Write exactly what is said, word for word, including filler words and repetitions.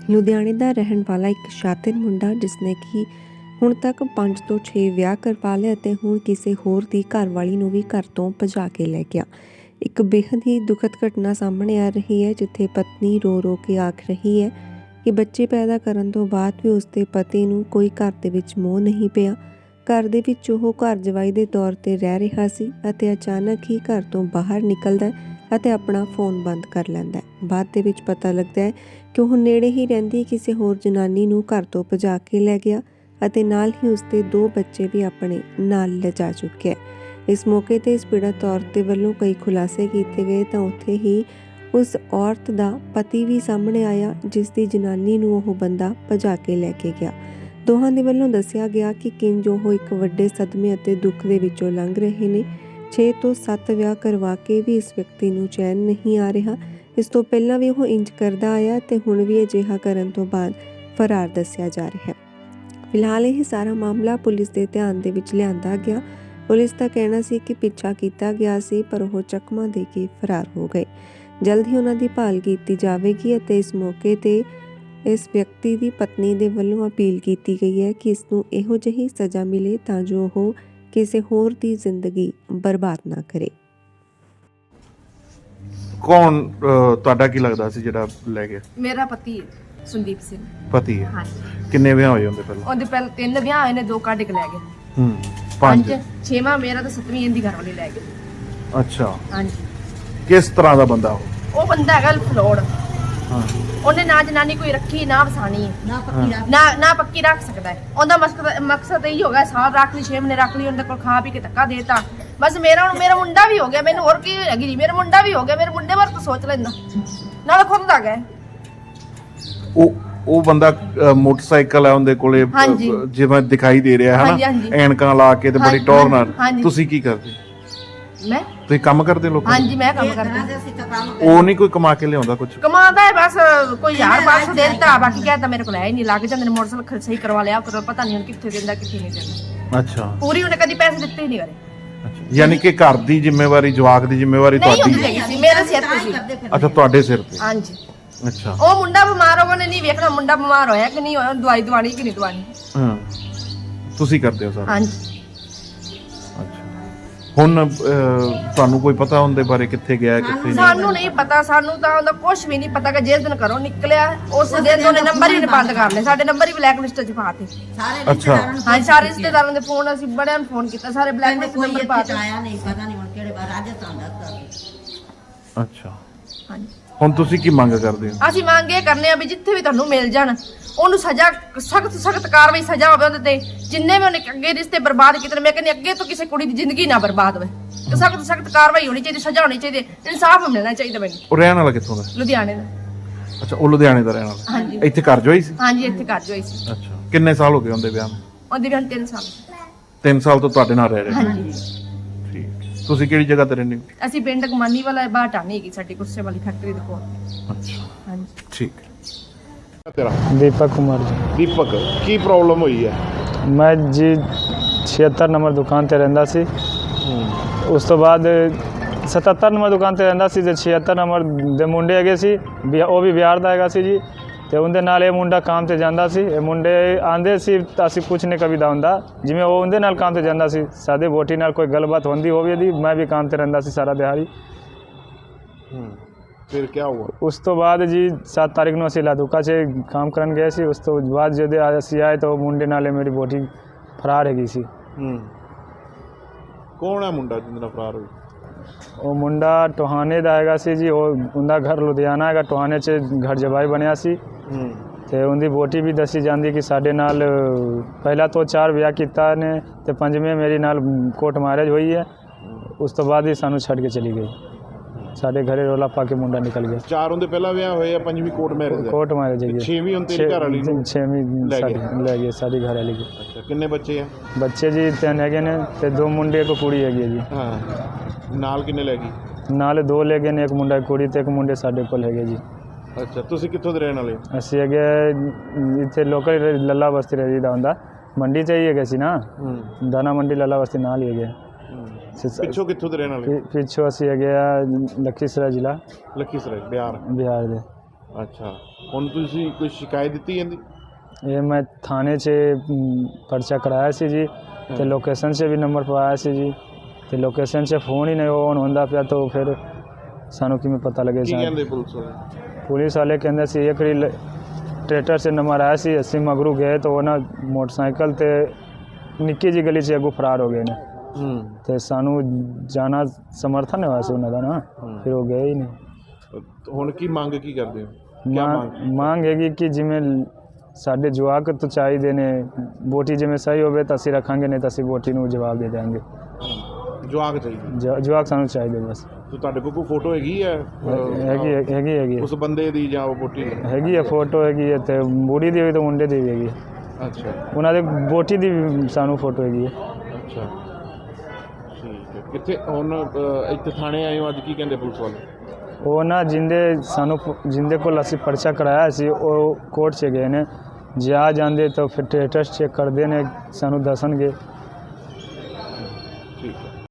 ਲੁਧਿਆਣੇ ਦਾ ਰਹਿਣ ਵਾਲਾ ਇੱਕ ਸ਼ਾਤਿਰ ਮੁੰਡਾ ਜਿਸਨੇ ਕਿ ਹੁਣ ਤੱਕ ਪੰਜ ਤੋਂ ਛੇ ਵਿਆਹ ਕਰਵਾ ਲਏ ਅਤੇ ਹੁਣ ਕਿਸੇ ਹੋਰ ਦੀ ਘਰਵਾਲੀ ਨੂੰ ਵੀ ਘਰ ਤੋਂ ਭਜਾ ਕੇ ਲੈ ਗਿਆ। ਇੱਕ ਬੇहद ਹੀ ਦੁਖਦ ਘਟਨਾ ਸਾਹਮਣੇ ਆ ਰਹੀ ਹੈ, ਜਿੱਥੇ ਪਤਨੀ ਰੋ ਰੋ ਕੇ ਆਖ ਰਹੀ ਹੈ ਕਿ ਬੱਚੇ ਪੈਦਾ ਕਰਨ ਤੋਂ ਬਾਅਦ ਵੀ ਉਸਦੇ ਪਤੀ ਨੂੰ ਕੋਈ ਘਰ ਦੇ ਵਿੱਚ ਮੋਹ ਨਹੀਂ ਪਿਆ। ਘਰ ਦੇ ਵਿੱਚ ਉਹ ਘਰ ਜਵਾਈ ਦੇ ਤੌਰ ਤੇ ਰਹਿ ਰਿਹਾ ਸੀ ਅਤੇ ਅਚਾਨਕ ਹੀ ਘਰ ਤੋਂ ਬਾਹਰ ਨਿਕਲਦਾ ਅਤੇ ਆਪਣਾ ਫੋਨ ਬੰਦ ਕਰ ਲੈਂਦਾ ਹੈ। ਬਾਅਦ ਦੇ ਵਿੱਚ ਪਤਾ ਲੱਗਦਾ ਹੈ ਕਿ ਉਹ ਨੇੜੇ ਹੀ ਰਹਿੰਦੀ ਕਿਸੇ ਹੋਰ ਜਨਾਨੀ ਨੂੰ ਘਰ ਤੋਂ ਭਜਾ ਕੇ ਲੈ ਗਿਆ ਅਤੇ ਨਾਲ ਹੀ ਉਸਦੇ ਦੋ ਬੱਚੇ ਵੀ ਆਪਣੇ ਨਾਲ ਲਿਜਾ ਚੁੱਕਿਆ ਹੈ। ਇਸ ਮੌਕੇ ਤੇ ਇਸ ਪੀੜਤ ਔਰਤ ਦੇ ਵੱਲੋਂ ਕਈ ਖੁਲਾਸੇ ਕੀਤੇ ਗਏ ਤਾਂ ਉੱਥੇ ਹੀ ਉਸ ਔਰਤ ਦਾ ਪਤੀ ਵੀ ਸਾਹਮਣੇ ਆਇਆ, ਜਿਸ ਦੀ ਜਨਾਨੀ ਨੂੰ ਉਹ ਬੰਦਾ ਭਜਾ ਕੇ ਲੈ ਕੇ ਗਿਆ। ਦੋਹਾਂ ਦੇ ਵੱਲੋਂ ਦੱਸਿਆ ਗਿਆ ਕਿ ਕਿੰਜ ਉਹ ਇੱਕ ਵੱਡੇ ਸਦਮੇ ਅਤੇ ਦੁੱਖ ਦੇ ਵਿੱਚੋਂ ਲੰਘ ਰਹੇ ਨੇ। ਛੇ ਤੋਂ ਸੱਤ ਵਿਆਹ ਕਰਵਾ ਕੇ ਵੀ ਇਸ ਵਿਅਕਤੀ ਨੂੰ ਚੈਨ ਨਹੀਂ ਆ ਰਿਹਾ। ਇਸ ਤੋਂ ਪਹਿਲਾਂ ਵੀ ਉਹ ਇੰਜ ਕਰਦਾ ਆਇਆ ਤੇ ਹੁਣ ਵੀ ਅਜਿਹਾ ਕਰਨ ਤੋਂ ਬਾਅਦ ਫਰਾਰ ਦੱਸਿਆ ਜਾ ਰਿਹਾ ਹੈ। ਫਿਲਹਾਲ ਇਹ ਸਾਰਾ ਮਾਮਲਾ ਪੁਲਿਸ ਦੇ ਧਿਆਨ ਦੇ ਵਿੱਚ ਲਿਆਂਦਾ ਗਿਆ। ਪੁਲਿਸ ਦਾ ਕਹਿਣਾ ਸੀ ਕਿ ਪਿੱਛਾ ਕੀਤਾ ਗਿਆ ਸੀ, ਪਰ ਉਹ ਚਕਮਾ ਦੇ ਕੇ ਫਰਾਰ ਹੋ ਗਏ। ਜਲਦ ਹੀ ਉਹਨਾਂ ਦੀ ਭਾਲ ਕੀਤੀ ਜਾਵੇਗੀ ਅਤੇ ਇਸ ਮੌਕੇ ਤੇ ਇਸ ਵਿਅਕਤੀ ਦੀ ਪਤਨੀ ਦੇ ਵੱਲੋਂ ਅਪੀਲ ਕੀਤੀ ਗਈ ਹੈ ਕਿ ਇਸ ਨੂੰ ਇਹੋ ਜਿਹੀ ਸਜ਼ਾ ਮਿਲੇ ਤਾਂ ਜੋ ਉਹ ਕਿਸੇ ਹੋਰ ਦੀ ਜ਼ਿੰਦਗੀ ਬਰਬਾਦ ਨਾ ਕਰੇ। ਕੌਣ ਤੁਹਾਡਾ ਕੀ ਲੱਗਦਾ ਸੀ ਜਿਹੜਾ ਲੈ ਗਿਆ? ਮੇਰਾ ਪਤੀ ਹੈ ਸੰਦੀਪ ਸਿੰਘ। ਪਤੀ ਹੈ? ਹਾਂਜੀ। ਕਿੰਨੇ ਵਿਆਹ ਹੋਏ ਹੁੰਦੇ ਪਹਿਲਾਂ? ਉਹਦੇ ਪਹਿਲਾਂ ਤਿੰਨ ਵਿਆਹ ਹੋਏ ਨੇ, ਦੋ ਕੱਢ ਕੇ ਲੈ ਗਏ। ਹੂੰ ਪੰਜ। ਛੇਵਾਂ ਮੇਰਾ ਤਾਂ ਸੱਤਵੀਂ ਇਹਦੀ ਘਰ ਵਾਲੀ ਲੈ ਗਏ। ਅੱਛਾ। ਹਾਂਜੀ। ਕਿਸ ਤਰ੍ਹਾਂ ਦਾ ਬੰਦਾ ਉਹ? ਉਹ ਬੰਦਾ ਹੈਗਾ ਫਲੋੜ। ਹਾਂ। ਉਹਨੇ ਨਾ ਜਨਾਨੀ ਕੋਈ ਰੱਖੀ ਨਾ ਵਸਾਣੀ ਹੈ, ਨਾ ਪੱਕੀ ਰੱਖ ਨਾ ਨਾ ਪੱਕੀ ਰੱਖ ਸਕਦਾ ਹੈ। ਉਹਦਾ ਮਕਸਦ ਮਕਸਦ ਇਹ ਹੋਗਾ ਸਾਲ ਰੱਖ ਲਈ, ਛੇ ਮਹੀਨੇ ਰੱਖ ਲਈ, ਉਹਦੇ ਕੋਲ ਖਾ ਪੀ ਕੇ ਧੱਕਾ ਦੇਤਾ ਬਸ। ਮੇਰਾ ਹੁਣ ਮੇਰਾ ਮੁੰਡਾ ਵੀ ਹੋ ਗਿਆ, ਮੈਨੂੰ ਹੋਰ ਕੀ ਹੈਗੀ ਜੀ, ਮੇਰਾ ਮੁੰਡਾ ਵੀ ਹੋ ਗਿਆ, ਮੇਰੇ ਮੁੰਡੇ ਬਾਰੇ ਤਾਂ ਸੋਚ ਲੈਂਦਾ ਨਾਲ ਖੁਦ ਦਾ ਗਿਆ। ਉਹ ਉਹ ਬੰਦਾ ਮੋਟਰਸਾਈਕਲ ਹੈ ਉਹਦੇ ਕੋਲੇ, ਜਿਵੇਂ ਦਿਖਾਈ ਦੇ ਰਿਹਾ ਹੈ ਨਾ, ਐਨਕਾਂ ਲਾ ਕੇ ਤੇ ਬੜੀ ਟੌਰ ਨਾਲ। ਤੁਸੀਂ ਕੀ ਕਰਦੇ? ਮੈਂ ਤੁਸੀਂ ਕੰਮ ਕਰਦੇ ਲੋਕਾਂ? ਹਾਂਜੀ ਮੈਂ ਕੰਮ ਕਰਦੀ। ਉਹ ਨਹੀਂ ਕੋਈ ਕਮਾ ਕੇ ਲਿਆਉਂਦਾ? ਕੁਝ ਕਮਾਉਂਦਾ ਹੈ ਬਸ, ਕੋਈ ਯਾਰ ਬਾਸ ਦੇ ਦਿੱਤਾ, ਬਾਕੀ ਕਹਿੰਦਾ ਮੇਰੇ ਕੋਲ ਹੈ ਹੀ ਨਹੀਂ। ਲੱਗ ਜਾਂਦੇ ਨੇ ਮੋਟਰਸਾਈਕਲ ਸਹੀ ਕਰਵਾ ਲਿਆ ਕਰੋ, ਪਤਾ ਨਹੀਂ ਹੁਣ ਕਿੱਥੇ ਦਿੰਦਾ ਕਿੱਥੇ ਨਹੀਂ ਦਿੰਦਾ। ਅੱਛਾ। ਪੂਰੀ ਉਹਨੇ ਕਦੀ ਪੈਸੇ ਦਿੱਤੇ ਹੀ ਨਹੀਂ ਕਰੇ। ਅੱਛਾ, ਯਾਨੀ ਕਿ ਘਰ ਦੀ ਜ਼ਿੰਮੇਵਾਰੀ, ਜਵਾਕ ਦੀ ਜ਼ਿੰਮੇਵਾਰੀ ਤੁਹਾਡੀ ਹੈ? ਸੀ ਮੇਰੇ ਸਿਰ ਤੇ ਸੀ। ਅੱਛਾ, ਤੁਹਾਡੇ ਸਿਰ ਤੇ? ਹਾਂਜੀ। ਅੱਛਾ। ਉਹ ਮੁੰਡਾ ਬਿਮਾਰ ਹੋ ਗਿਆ ਨੇ, ਨਹੀਂ ਵੇਖਣਾ ਮੁੰਡਾ ਬਿਮਾਰ ਹੋਇਆ ਕਿ ਨਹੀਂ ਹੋਇਆ, ਦਵਾਈ ਦਵਾਣੀ ਕਿ ਨਹੀਂ ਦਵਾਣੀ। ਹਾਂ, ਤੁਸੀਂ ਕਰਦੇ ਹੋ ਸਾਰਾ? ਹਾਂਜੀ। ਹੁਣ ਤੁਹਾਨੂੰ ਕੋਈ ਪਤਾ ਉਹਦੇ ਬਾਰੇ, ਕਿੱਥੇ ਗਿਆ ਕਿੱਥੇ ਨਹੀਂ? ਸਾਨੂੰ ਨਹੀਂ ਪਤਾ, ਸਾਨੂੰ ਤਾਂ ਉਹਦਾ ਕੁਝ ਵੀ ਨਹੀਂ ਪਤਾ ਕਿ ਜਿਸ ਦਿਨ ਘਰੋਂ ਨਿਕਲਿਆ ਉਸ ਦਿਨ ਉਹਨੇ ਨੰਬਰ ਹੀ ਬੰਦ ਕਰ ਲਏ, ਸਾਡੇ ਨੰਬਰ ਹੀ ਬਲੈਕ ਲਿਸਟ 'ਚ ਪਾਤੇ। ਅੱਛਾ। ਹਾਂ, ਸਾਰੇ ਰਿਸ਼ਤੇਦਾਰਾਂ ਦੇ ਫੋਨ ਅਸੀਂ ਬੜਿਆਂ ਨੂੰ ਫੋਨ ਕੀਤਾ, ਸਾਰੇ ਬਲੈਕ ਲਿਸਟ ਨੰਬਰ ਪਾਤੇ। ਆਇਆ ਨਹੀਂ, ਪਤਾ ਨਹੀਂ ਹੁਣ ਕਿਹੜੇ ਬਾਰ ਰਾਜਸਥਾਨ ਦਾ। ਅੱਛਾ। ਹਾਂਜੀ। ਹੁਣ ਤੁਸੀਂ ਕੀ ਮੰਗ ਕਰਦੇ ਹੋ? ਅਸੀਂ ਮੰਗ ਇਹ ਕਰਨੇ ਆ ਵੀ ਜਿੱਥੇ ਵੀ ਤੁਹਾਨੂੰ ਮਿਲ ਜਾਣ ਉਹਨੂੰ ਸਜ਼ਾ, ਸਖਤ ਸਖਤ ਕਾਰਵਾਈ ਸਜ਼ਾ ਹੋਵੇ ਉਹਦੇ ਤੇ। ਜਿੰਨੇ ਵੀ ਉਹਨੇ ਅੱਗੇ ਰਿਸ਼ਤੇ ਬਰਬਾਦ ਕੀਤੇ, ਮੈਂ ਕਹਿੰਦੀ ਅੱਗੇ ਤੋਂ ਕਿਸੇ ਕੁੜੀ ਦੀ ਜ਼ਿੰਦਗੀ ਨਾ ਬਰਬਾਦ ਹੋਵੇ। ਸਖਤ ਸਖਤ ਕਾਰਵਾਈ ਹੋਣੀ ਚਾਹੀਦੀ, ਸਜ਼ਾ ਹੋਣੀ ਚਾਹੀਦੀ, ਇਨਸਾਫ ਮਿਲਣਾ ਚਾਹੀਦਾ ਮੈਨੂੰ। ਉਹ ਰਹਿਣ ਵਾਲਾ ਕਿੱਥੋਂ ਦਾ? ਲੁਧਿਆਣੇ ਦਾ। ਅੱਛਾ, ਉਹ ਲੁਧਿਆਣੇ ਦਾ ਰਹਿਣ ਵਾਲਾ। ਹਾਂਜੀ। ਇੱਥੇ ਘਰ ਜੋਈ ਸੀ? ਹਾਂਜੀ, ਇੱਥੇ ਘਰ ਜੋਈ ਸੀ। ਅੱਛਾ। ਕਿੰਨੇ ਸਾਲ ਹੋ ਗਏ ਉਹਦੇ ਵਿਆਹ ਨੂੰ? ਉਹਦੇ ਵਿਆਹ ਨੂੰ ਤਿੰਨ ਸਾਲ। ਤਿੰਨ ਸਾਲ ਤੋਂ ਤੁਹਾਡੇ ਨਾਲ ਰਹਿ ਰਹੇ? ਹਾਂਜੀ। ਠੀਕ। ਤੁਸੀਂ ਕਿਹੜੀ ਜਗ੍ਹਾ ਤੇ ਰਹਿੰਦੇ ਹੋ? ਅਸੀਂ ਪਿੰਡ ਕਮਾਨੀ ਵਾਲਾ ਬਾਹਰ ਟਾਣੀ ਹੈਗੀ ਸਾਡੀ ਗੁੱਸੇ ਵਾਲੀ ਫੈਕਟਰੀ ਦੇ ਕੋਲ। ਅੱਛਾ। ਹਾਂਜੀ। ਠੀਕ। ਤੇਰਾ? दीपक कुमार जी। ਦੀਪਕ, ਕੀ ਪ੍ਰੋਬਲਮ ਹੋਈ ਹੈ? मैं जी छिहत्तर नंबर दुकान ਤੇ ਰਹਿੰਦਾ ਸੀ। ਉਸ ਤੋਂ ਬਾਅਦ ਸਤੱਤਰ ਨੰਬਰ ਦੁਕਾਨ ਤੇ ਰਹਿੰਦਾ ਸੀ ਤੇ ਛਿਹੱਤਰ ਨੰਬਰ ਦੇ ਮੁੰਡੇ ਹੈਗੇ ਸੀ, ਉਹ ਵੀ ਬਿਹਾਰ ਦਾ ਹੈਗਾ ਸੀ ਜੀ। ਤੇ ਉਹਦੇ ਨਾਲ ਇਹ ਮੁੰਡਾ ਕੰਮ ਤੇ ਜਾਂਦਾ ਸੀ। ਇਹ ਮੁੰਡੇ ਆਂਦੇ ਸੀ ਤਾਂ ਅਸੀਂ ਕੁਛ ਨਹੀਂ ਕਵੀ ਦਾ ਹੁੰਦਾ, ਜਿਵੇਂ ਉਹ ਉਹਦੇ ਨਾਲ ਕੰਮ ਤੇ ਜਾਂਦਾ ਸੀ। ਸਾਡੀ ਵੋਟੀ ਨਾਲ ਕੋਈ ਗੱਲਬਾਤ ਹੁੰਦੀ ਹੋਵੇ ਦੀ, ਮੈਂ ਵੀ ਕੰਮ ਤੇ ਰਹਿੰਦਾ ਸੀ ਸਾਰਾ ਦਿਹਾੜੀ। ਫਿਰ ਕੀ ਹੋਇਆ? ਉਸ ਤੋਂ ਬਾਅਦ ਜੀ ਸੱਤ ਤਾਰੀਖ ਨੂੰ ਅਸੀਂ ਲਾਦੂਕਾ 'ਚ ਕੰਮ ਕਰਨ ਗਏ ਸੀ। ਉਸ ਤੋਂ ਬਾਅਦ ਜਦੋਂ ਅਸੀਂ ਆਏ ਤਾਂ ਉਹ ਮੁੰਡੇ ਨਾਲ ਮੇਰੀ ਵੋਟੀ ਫਰਾਰ ਹੈਗੀ ਸੀ। ਹੂੰ। ਕੌਣ ਹੈ ਮੁੰਡਾ ਜਿਹਦੇ ਨਾਲ ਫਰਾਰ ਹੋਈ? ਉਹ ਮੁੰਡਾ ਟੋਹਾਣੇ ਦਾ ਹੈਗਾ ਸੀ ਜੀ। ਉਹ ਉਹਦਾ ਘਰ ਲੁਧਿਆਣਾ ਹੈਗਾ, ਟੋਹਾਣੇ 'ਚ ਘਰ ਜਵਾਈ ਬਣਿਆ ਸੀ। ਹੂੰ। ਤੇ ਉਹਦੀ ਵੋਟੀ ਵੀ ਦੱਸੀ ਜਾਂਦੀ ਕਿ ਸਾਡੇ ਨਾਲ ਪਹਿਲਾਂ ਤੋਂ ਚਾਰ ਵਿਆਹ ਕੀਤਾ ਨੇ ਤੇ ਪੰਜਵੇਂ ਮੇਰੀ ਨਾਲ ਕੋਰਟ ਮੈਰਿਜ ਹੋਈ ਹੈ। ਉਸ ਤੋਂ ਬਾਅਦ ਹੀ ਸਾਨੂੰ ਛੱਡ ਕੇ ਚਲੀ ਗਈ। ਸਾਡੇ ਘਰੇ ਰੋਲਾ ਪਾ ਕੇ ਮੁੰਡਾ ਨਿਕਲ ਗਿਆ। ਚਾਰ ਉਹਦੇ ਪਹਿਲਾਂ ਵਿਆਹ ਹੋਏ ਆ, ਪੰਜਵੀਂ ਕੋਰਟ ਮੈਰਿਜ? ਕੋਰਟ ਮੈਰਿਜ ਹੈਗੀ। ਛੇਵੀਂ ਹੁਣ ਤੇਰੀ ਘਰ ਵਾਲੀ ਨੂੰ? ਛੇਵੀਂ ਲੈ ਗਏ ਸਾਡੀ ਘਰ ਵਾਲੀ। ਅੱਛਾ। ਕਿੰਨੇ ਬੱਚੇ ਆ? ਬੱਚੇ ਜੀ ਤਿੰਨ ਹੈਗੇ ਨੇ ਤੇ ਦੋ ਮੁੰਡੇ ਇੱਕ ਕੁੜੀ ਹੈਗੀ ਹੈ ਜੀ। ਹਾਂ। ਨਾਲ ਕਿੰਨੇ ਲੈ ਗਈ? ਨਾਲ ਦੋ ਲੈ ਗਏ ਨੇ, ਇੱਕ ਮੁੰਡਾ ਕੁੜੀ ਤੇ ਇੱਕ ਮੁੰਡੇ ਸਾਡੇ ਕੋਲ ਹੈਗੇ ਜੀ। ਅੱਛਾ। ਤੁਸੀਂ ਕਿੱਥੋਂ ਦੇ ਰਹਿਣ ਵਾਲੇ? ਅਸੀਂ ਹੈਗੇ ਇੱਥੇ ਲੋਕਲ ਲੱਲਾ ਬਸਤੀ ਰਹੀਦਾ ਹੁੰਦਾ, ਮੰਡੀ 'ਚ ਹੀ ਹੈਗੇ ਸੀ ਨਾ, ਦਾਣਾ ਮੰਡੀ ਲੱਲਾ ਬਸਤੀ ਨਾਲ ਹੀ ਹੈਗੇ। ਪਿੱਛੋਂ ਕਿੱਥੋਂ ਦੇ ਰਹਿਣ ਵਾਲੇ? ਪਿੱਛੋਂ ਅਸੀਂ ਹੈਗੇ ਆ ਲਖੀਸਰਾਏ ਜ਼ਿਲ੍ਹਾ, ਲਖੀਸਰਾਏ ਬਿਹਾਰ। ਬਿਹਾਰ ਦੇ। ਅੱਛਾ, ਹੁਣ ਤੁਸੀਂ ਕੋਈ ਸ਼ਿਕਾਇਤ ਦਿੱਤੀ ਇਹਦੀ? ਇਹ ਮੈਂ ਥਾਣੇ 'ਚ ਅਮ, ਪਰਚਾ ਕਰਾਇਆ ਸੀ ਜੀ ਤੇ ਲੋਕੇਸ਼ਨ 'ਚ ਵੀ ਨੰਬਰ ਪਵਾਇਆ ਸੀ ਜੀ ਤੇ ਲੋਕੇਸ਼ਨ 'ਚ ਫੋਨ ਹੀ ਨਹੀਂ ਔਨ ਹੁੰਦਾ ਪਿਆ ਤਾਂ ਫਿਰ ਸਾਨੂੰ ਕਿਵੇਂ ਪਤਾ ਲੱਗੇ ਕੀ ਸਾਨੂੰ? ਕਹਿੰਦੇ ਪੁਲਿਸ ਵਾਲੇ? ਪੁਲਿਸ ਵਾਲੇ ਕਹਿੰਦੇ ਸੀ ਇੱਕ ਰੀ ਟਰੈਕਟਰ 'ਚ ਨੰਬਰ ਆਇਆ ਸੀ, ਅਸੀਂ ਮਗਰੂ ਗਏ ਤਾਂ ਉਹ ਨਾ ਮੋਟਰਸਾਈਕਲ ਤੇ ਨਿੱਕੀ ਜਿਹੀ ਗਲੀ 'ਚ ਅੱਗੋਂ ਫਰਾਰ ਹੋ ਗਏ ਨੇ ਹੂੰ ਤੇ ਸਾਨੂੰ ਜਾਣਾ ਸਮਰਥਨ ਨਹੀਂ ਹੋਇਆ ਸੀ ਉਹਨਾਂ ਦਾ ਨਾ, ਫਿਰ ਉਹ ਗਏ ਹੀ ਨਹੀਂ। ਹੁਣ ਕੀ ਮੰਗ ਕੀ ਕਰਦੇ ਹੋ? ਕਿਆ ਮਾਂ ਮੰਗ? ਮੰਗ ਹੈਗੀ ਕਿ ਜਿਵੇਂ ਸਾਡੇ ਜਵਾਕ ਤੋਂ ਚਾਹੀਦੇ ਨੇ, ਵੋਟੀ ਜਿਵੇਂ ਸਹੀ ਹੋਵੇ ਤਾਂ ਅਸੀਂ ਰੱਖਾਂਗੇ, ਨਹੀਂ ਤਾਂ ਅਸੀਂ ਵੋਟੀ ਨੂੰ ਜਵਾਬ ਦੇ ਦਿਆਂਗੇ। ਜਵਾਕ ਚਾਹੀਦੇ? ਜ- ਜਵਾਕ ਸਾਨੂੰ ਚਾਹੀਦੇ ਬਸ। ਤੇ ਤੁਹਾਡੇ ਕੋਲ ਕੋਈ ਫੋਟੋ ਹੈਗੀ ਹੈ ਅਹ, ਹੈਗੀ ਹੈਗੀ ਹੈਗੀ ਉਸ ਬੰਦੇ ਦੀ ਜਾਂ ਉਹ ਵੋਟੀ ਦੀ? ਹੈਗੀ ਹੈ, ਫੋਟੋ ਹੈਗੀ ਹੈ ਤੇ ਬੁੜੀ ਦੀ ਹੋਈ ਤਾਂ ਮੁੰਡੇ ਦੀ ਵੀ ਹੈਗੀ ਹੈ। ਅੱਛਾ ਉਹਨਾਂ ਦੇ ਵੋਟੀ ਦੀ ਵੀ ਸਾਨੂੰ ਫੋਟੋ ਹੈਗੀ ਹੈ। ਅੱਛਾ ਠੀਕ ਹੈ। ਕਿੱਥੇ ਹੁਣ ਅਹ, ਇੱਥੇ ਥਾਣੇ ਆਏ ਹੋ ਅੱਜ, ਕੀ ਕਹਿੰਦੇ ਪੁਲਿਸ ਵਾਲੇ? ਉਹ ਨਾ ਜਿੰਦੇ ਸਾਨੂੰ ਜਿੰਦੇ ਕੋਲ ਅਸੀਂ ਪਰਚਾ ਕਰਾਇਆ ਸੀ ਉਹ ਕੋਰਟ 'ਚ ਗਏ ਨੇ, ਜੇ ਆ ਜਾਂਦੇ ਤਾਂ ਫਿਰ ਟੈਸਟ ਚੈੱਕ ਕਰਦੇ ਨੇ, ਸਾਨੂੰ ਦੱਸਣਗੇ। ਠੀਕ ਹੈ।